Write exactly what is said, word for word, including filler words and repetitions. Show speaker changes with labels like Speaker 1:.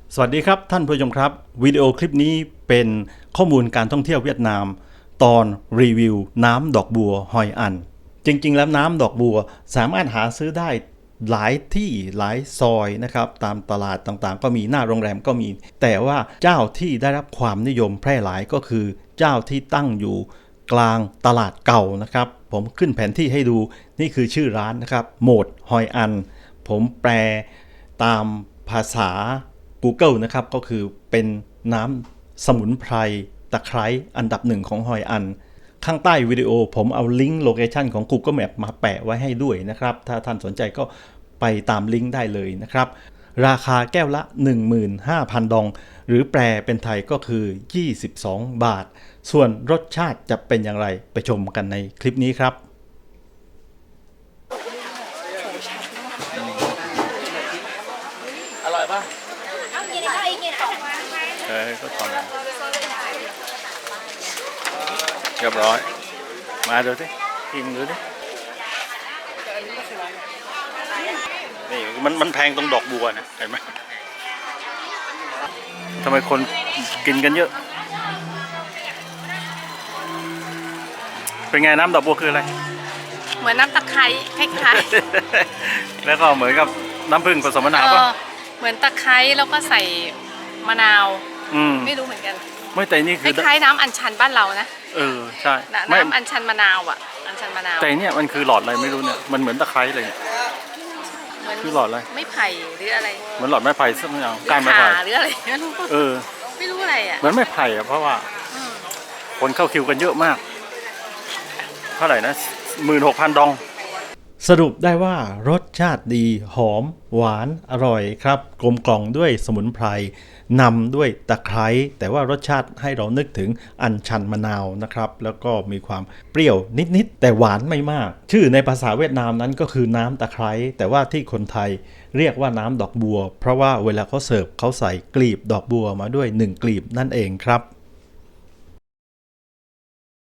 Speaker 1: สวัสดีครับท่านผู้ชมครับวิดีโอคลิปนี้เป็นข้อมูลการท่องเที่ยวเวียดนามตอนรีวิวน้ำดอกบัวฮอยอันจริงๆแล้วน้ำดอกบัวสามารถหาซื้อได้หลายที่หลายซอยนะครับตามตลาดต่างๆก็มีหน้าโรงแรมก็มีแต่ว่าเจ้าที่ได้รับความนิยมแพร่หลายก็คือเจ้าที่ตั้งอยู่กลางตลาดเก่านะครับผมขึ้นแผนที่ให้ดูนี่คือชื่อร้านนะครับโหมดฮอยอันผมแปลตามภาษาGoogle นะครับก็คือเป็นน้ำสมุนไพรตะไคร้อันดับหนึ่งของฮอยอันข้างใต้วิดีโอผมเอาลิงก์โลเคชันของ Google Map มาแปะไว้ให้ด้วยนะครับถ้าท่านสนใจก็ไปตามลิงก์ได้เลยนะครับราคาแก้วละ หนึ่งหมื่นห้าพัน ดองหรือแปลเป็นไทยก็คือยี่สิบสองบาทส่วนรสชาติจะเป็นอย่างไรไปชมกันในคลิปนี้ครับอร่อยปะเออก็ทอนเรียบร้อยมาดูสิกินดูสินี่มันมันแพงตรงดอกบัวนะเห็นไหมทำไมคนกินกันเยอะเป็นไงน้ำดอกบัวคืออะไร
Speaker 2: เหมือนน้ำตะไคร้คล้าย
Speaker 1: ๆแล้วก็เหมือนกับน้ำผึ้งผสมมะนาวป่ะ
Speaker 2: เหมือนตะไคร้แล้วก็ใส่มะนาวไม่รู้เหมือนกัน
Speaker 1: ไม่แต่นี่คือ
Speaker 2: คล้ายๆน้ำอัญชันบ้านเรานะ
Speaker 1: เออใช่
Speaker 2: น้ำอัญชันมะนาวอ่ะอัญชันมะนาว
Speaker 1: แต่เนี่ยมันคือหลอดอะไรไม่รู้เนี่ยมันเหมือนตะไคร้เลยคือหลอดอะไร
Speaker 2: ไม่ไผ่หรืออะไร
Speaker 1: เหมือนหลอดไม้ไผ่สักอย่างก้านไม้ไผ่
Speaker 2: หรืออะไรไม่รู้
Speaker 1: เออ
Speaker 2: ไม่รู้อะไรอ่ะ
Speaker 1: เหมือนไม้ไผ่อ่ะเพราะว่าคนเข้าคิวกันเยอะมากเท่าไหร่นะหมื่นหกพันดองสรุปได้ว่ารสชาติดีหอมหวานอร่อยครับกลมกล่อมด้วยสมุนไพรนำด้วยตะไคร้แต่ว่ารสชาติให้เรานึกถึงอัญชันมะนาวนะครับแล้วก็มีความเปรี้ยวนิดๆแต่หวานไม่มากชื่อในภาษาเวียดนามนั้นก็คือน้ำตะไคร้แต่ว่าที่คนไทยเรียกว่าน้ำดอกบัวเพราะว่าเวลาเขาเสิร์ฟเขาใส่กลีบดอกบัวมาด้วยหนึ่งกลีบนั่นเองครับ